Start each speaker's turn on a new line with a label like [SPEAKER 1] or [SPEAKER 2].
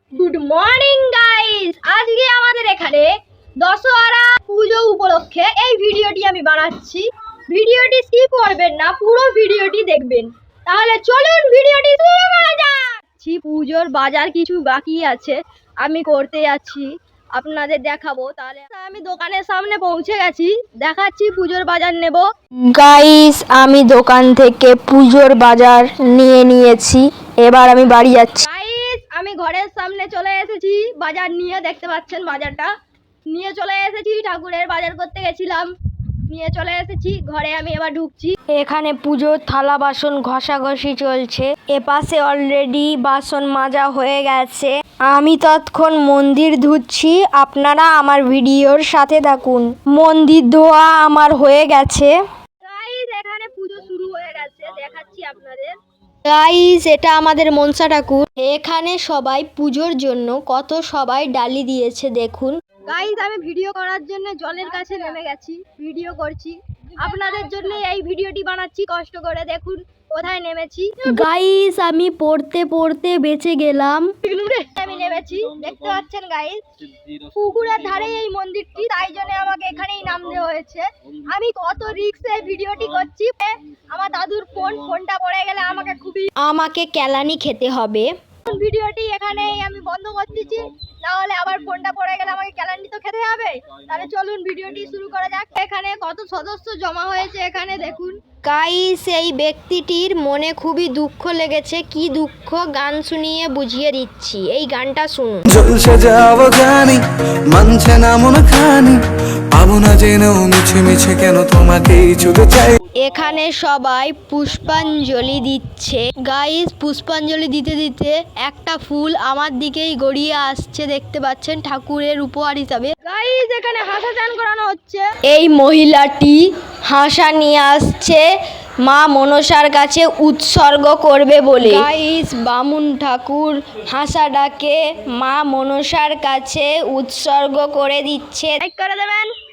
[SPEAKER 1] Good morning guys, আজকে আমাদের এখানে দশহরা পুজো উপলক্ষে এই ভিডিওটি আমি বানাচ্ছি। ভিডিওটি স্কিপ করবেন না, পুরো ভিডিওটি দেখবেন। তাহলে চলুন ভিডিওটি শুরু করা যাক। পুজোর বাজার কিছু বাকি আছে, আমি করতে যাচ্ছি, আপনাদের দেখাবো। তাহলে আমি দোকানের সামনে পৌঁছে গেছি, দেখাচ্ছি পুজোর বাজার নেব।
[SPEAKER 2] গাইস, আমি দোকান থেকে পুজোর বাজার নিয়ে নিয়েছি, এবার আমি বাড়ি যাচ্ছি।
[SPEAKER 1] গাইস, আমি ঘরের সামনে চলে এসেছি, বাজার নিয়ে দেখতে পাচ্ছেন বাজারটা নিয়ে চলে এসেছি। ঠাকুরের বাজার করতে গেছিলাম, নিয়ে চলে এসেছি ঘরে। আমি এবার ঢুকছি।
[SPEAKER 2] এখানে পুজোর থালা বাসন ঘষাঘষি চলছে, এপাশে অলরেডি বাসন মাজা হয়ে গেছে। আমি তৎক্ষণ মন্দির ধুচ্ছি, আপনারা আমার ভিডিওর সাথে থাকুন। মন্দির ধোয়া আমার হয়ে গেছে।
[SPEAKER 1] গাইস, এখানে পুজো শুরু হয়ে গেছে, দেখাচ্ছি আপনাদের।
[SPEAKER 2] গাইস, এটা আমাদের মনসা ঠাকুর। এখানে সবাই পুজোর জন্য কত সবাই ডালি দিয়েছে দেখুন।
[SPEAKER 1] গাইস, আমি ভিডিও করার জন্য জলের কাছে নেমে গেছি, ভিডিও করছি আপনাদের জন্য। এই ভিডিওটি বানাচ্ছি কষ্ট করে, দেখুন কোথায় নেমেছি।
[SPEAKER 2] গাইস, আমি পড়তে পড়তে বেঁচে গেলাম।
[SPEAKER 1] আমি নেমেছি, দেখতে পাচ্ছেন গাইস, পুকুরের ধারে এই মন্দিরটি, তাই জন্য আমাকে এখানেই নামতে হয়েছে। আমি কত রিস্কে ভিডিওটি করছি। আমার দাদুর ফোনটা পড়ে গেলে
[SPEAKER 2] আমাকে কেলানি খেতে হবে।
[SPEAKER 1] ভিডিওটি এখানেই আমি বন্ধ করতেছি, না হলে আবার ফোনটা পড়ে গেলে আমাকে ক্যালান্ডি তো খেতে হবে। তাহলে চলুন ভিডিওটি শুরু করা যাক। এখানে কত সদস্য জমা হয়েছে এখানে দেখুন।
[SPEAKER 2] গাইস, এই ব্যক্তিটির মনে খুবই দুঃখ লেগেছে। কি দুঃখ গান শুনিয়ে বুঝিয়ে দিচ্ছি, এই গানটা শুনুন।
[SPEAKER 3] জলসে যাও জানি, মানছে না মন খানি, পাবো না জেনেও মিছে মিছে কেন তোমাকেই ছুতে চাই।
[SPEAKER 2] এখানে সবাই পুষ্পাঞ্জলি দিচ্ছে। গাইস, পুষ্পাঞ্জলি দিতে দিতে একটা ফুল আমার দিকেই গড়িয়ে আসছে, দেখতে পাচ্ছেন, ঠাকুরের উপহার হিসাবে।
[SPEAKER 1] গাইস, এখানে হাসা চান করানো হচ্ছে।
[SPEAKER 2] এই মহিলাটি হাসা নিয়ে আসছে মা মনসার কাছে উৎসর্গ করবে বলে। গাইস, বামুন ঠাকুর হাসাটাকে মা মনসার কাছে উৎসর্গ করে দিচ্ছে।
[SPEAKER 1] লাইক করে দেবেন।